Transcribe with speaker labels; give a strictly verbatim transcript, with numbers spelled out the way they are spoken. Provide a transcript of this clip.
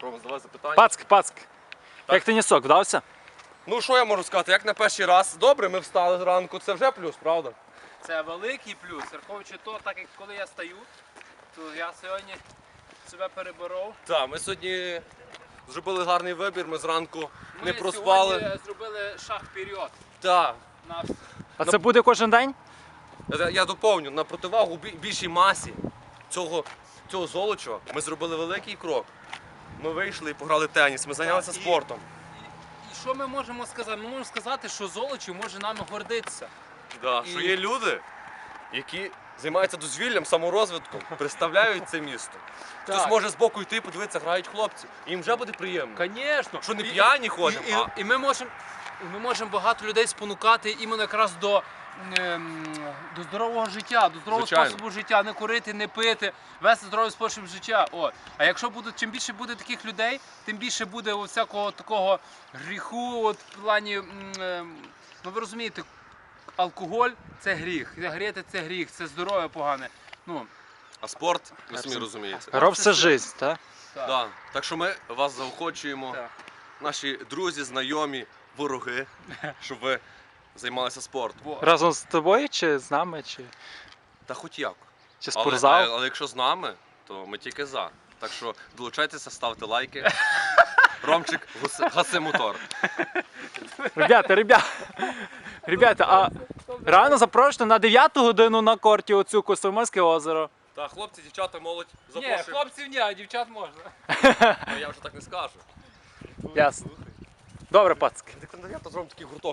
Speaker 1: Рома, задавай запитання.
Speaker 2: Пацк, пацк. Як тенісок, вдався?
Speaker 1: Ну що я можу сказати, як на перший раз. Добре, ми встали зранку, це вже плюс, правда?
Speaker 3: Це великий плюс. Враховуючи то, так як коли я стаю, то я сьогодні себе переборов.
Speaker 1: Так, ми сьогодні зробили гарний вибір, ми зранку
Speaker 3: Ми
Speaker 1: не проспали.
Speaker 3: сьогодні зробили шаг вперед.
Speaker 1: Так.
Speaker 3: На...
Speaker 2: А це буде кожен день?
Speaker 1: Я, я доповню, на противагу бі- більшій масі цього, цього Золочева ми зробили великий крок. Ми вийшли і пограли в теніс, ми зайнялися
Speaker 3: Так, і-
Speaker 1: спортом.
Speaker 3: І що ми можемо сказати? Ми можемо сказати, що Золочів може нами гордитися.
Speaker 1: Да,
Speaker 3: І-
Speaker 1: Що є люди, які займаються дозвіллям, саморозвитком, представляють це місто. Хтось
Speaker 3: Так.
Speaker 1: може збоку йти, подивитися, грають хлопці. І їм вже буде приємно.
Speaker 3: Звісно.
Speaker 1: Що не п'яні ходимо,
Speaker 3: І, і,
Speaker 1: а-
Speaker 3: і ми можемо ми можемо багато людей спонукати іменно якраз до, ем, до здорового життя, до здорового
Speaker 1: Звичайно.
Speaker 3: способу життя, не курити, не пити, вести здоровий спосіб життя. От. А якщо буде, чим більше буде таких людей, тим більше буде от всякого такого гріху, от в плані, м, ем, ну ви розумієте, алкоголь це гріх, сигарети це гріх, це здоров'я погане. Ну,
Speaker 1: А спорт, ви самі розумієте.
Speaker 2: Роб це жизнь, так?
Speaker 3: так.
Speaker 1: Да. Так що ми вас заохочуємо,
Speaker 3: Так.
Speaker 1: наші друзі, знайомі, вороги, щоб ви займалися спортом.
Speaker 3: Во.
Speaker 2: Разом з тобою чи з нами, чи,
Speaker 1: Та хоч як.
Speaker 2: чи
Speaker 1: Але,
Speaker 2: спортзал?
Speaker 1: але, але якщо з нами, то ми тільки за. Так що долучайтеся, ставте лайки. Ромчик гуси- гаси мотор.
Speaker 2: Ребята, ребята, ребята, а реально запрошено на дев'яту годину на корті оцю Костромольське озеро.
Speaker 1: Так, хлопці, дівчата, молодь,
Speaker 3: Ні,
Speaker 1: запрошуємо.
Speaker 3: хлопців ні, а дівчат можна.
Speaker 1: Ну, я вже так не скажу.
Speaker 2: Ясно. Добре, пацки.
Speaker 1: Так, я то зробимо такий гурток.